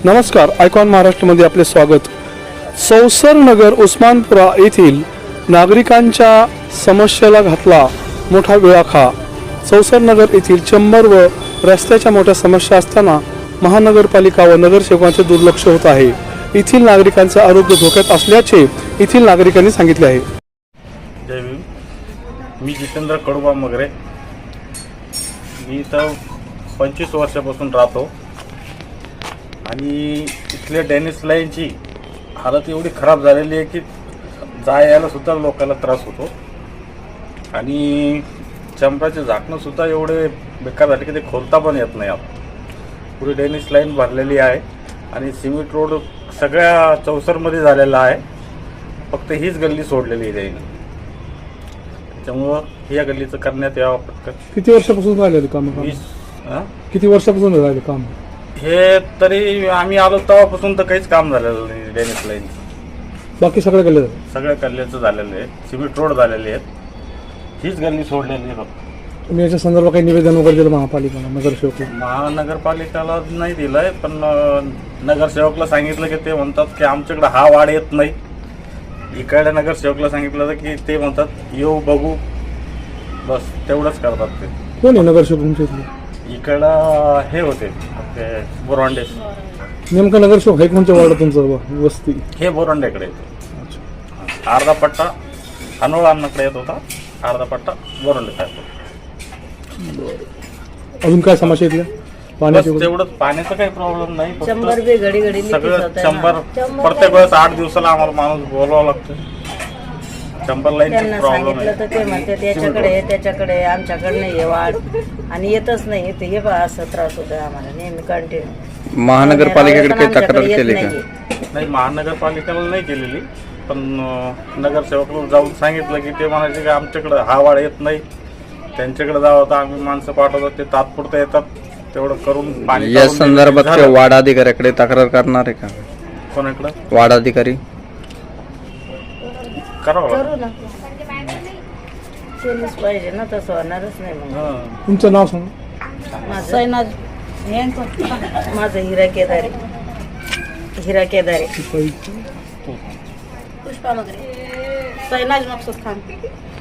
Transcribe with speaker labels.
Speaker 1: नमस्कार, आयकॉन महाराष्ट्रमध्ये आपले स्वागत. चौसर नगर उस्मानपुरा येथील नागरिकांच्या समस्येला घातला मोठा विळखा. चौसर नगर येथील चंबर व रस्त्याच्या मोठ्या समस्या असताना महानगरपालिका व नगरसेवकांचे दुर्लक्ष होत आहे. येथील नागरिकांचे आरोग्य धोक्यात असल्याचे येथील नागरिकांनी सांगितले आहे.
Speaker 2: जय भीम. मी जितेंद्र कडुबा मगरे. मी इथं 25 वर्षापासून राहतो आणि इथल्या डॅनिश लाईनची हालत एवढी खराब झालेली आहे की जायला सुद्धा लोकांना त्रास होतो आणि चंपराचे झाकणं सुद्धा एवढे बेकार झाले की ते खोलता पण येत नाही. पुढे डॅनिश लाईन भरलेली आहे आणि सिमेंट रोड सगळ्या चौसरमध्ये झालेला आहे. फक्त हीच गल्ली सोडलेली आहे त्याने. त्यामुळं या गल्लीचं करण्यात यावं पटकन.
Speaker 1: किती वर्षापासून राहिले काम?
Speaker 2: 20
Speaker 1: किती वर्षापासून राहिले काम?
Speaker 2: हे तरी आम्ही आलो तेव्हापासून तर काहीच काम झालेलं नाही. डॅनिश लाईन
Speaker 1: बाकी सगळं गल्ले
Speaker 2: सगळ्या गल्ल्याचं झालेलं आहे. सिमेंट रोड झालेले आहेत. हीच गल्ली सोडलेली आहे.
Speaker 1: तुम्ही याच्या संदर्भात काही निवेदन वगैरे दिलं महापालिकेला, नगरसेवक?
Speaker 2: महानगरपालिकेला नाही दिलंय, पण नगरसेवकला सांगितलं की ते म्हणतात की आमच्याकडे हा वाढ येत नाही. इकडे नगरसेवकला सांगितलं की ते म्हणतात येऊ बघू, बस तेवढंच करतात. ते
Speaker 1: कोण आहे नगरसेवक तुमच्या इथले?
Speaker 2: इकडं हे होते ते बोरांडे.
Speaker 1: नेमकं नगरसेवक आहे कोणत्या वार्ड तुमचं वस्ती?
Speaker 2: हे बोरांड्याकडे येतो. अर्धा पट्टा अनोळांकडे येत होता, अर्धा पट्टा बोरांडे.
Speaker 1: अजून काय समस्या इथल्या? पाण्याची?
Speaker 2: तेवढंच, पाण्याचा काही प्रॉब्लेम नाही.
Speaker 3: चंबर बी घडी घडी
Speaker 2: सगळं चंबर प्रत्येक वेळेस 8 दिवसाला आम्हाला माणूस बोलवावं लागतं. चंबर लाईनचा
Speaker 3: त्यांना
Speaker 2: प्रॉब्लेम
Speaker 3: सांगितलं तर ते म्हणते त्याच्याकडे आमच्याकडे नाही वाढ आणि येतच नाही. ते हे बा असं त्रास होतो आम्हाला नेहमी कंटिन्यू.
Speaker 4: महानगरपालिकेकडे काही तक्रार केली का?
Speaker 2: नाही, महानगरपालिकेला नाही केलेली, पण नगरसेवकला जाऊन सांगितलं की ते म्हणायचे की आमच्याकडे हा वाढ येत नाही. त्यांच्याकडे जावं तर आम्ही माणसं पाठवतो, ते तात्पुरतं येतात. तेवढं करून पाणी
Speaker 4: या संदर्भात वार्ड अधिकाऱ्याकडे तक्रार करणार आहे का?
Speaker 2: कोणाकडे?
Speaker 4: वार्ड अधिकारी
Speaker 2: करावं
Speaker 3: करू ना, केलंच पाहिजे ना, तसं होणारच नाही. मग
Speaker 1: तुमचं नाव सांगा.
Speaker 3: माझं हिरा केदारे.
Speaker 5: पुष्पा मगरे. सैनाज मकसूद खान.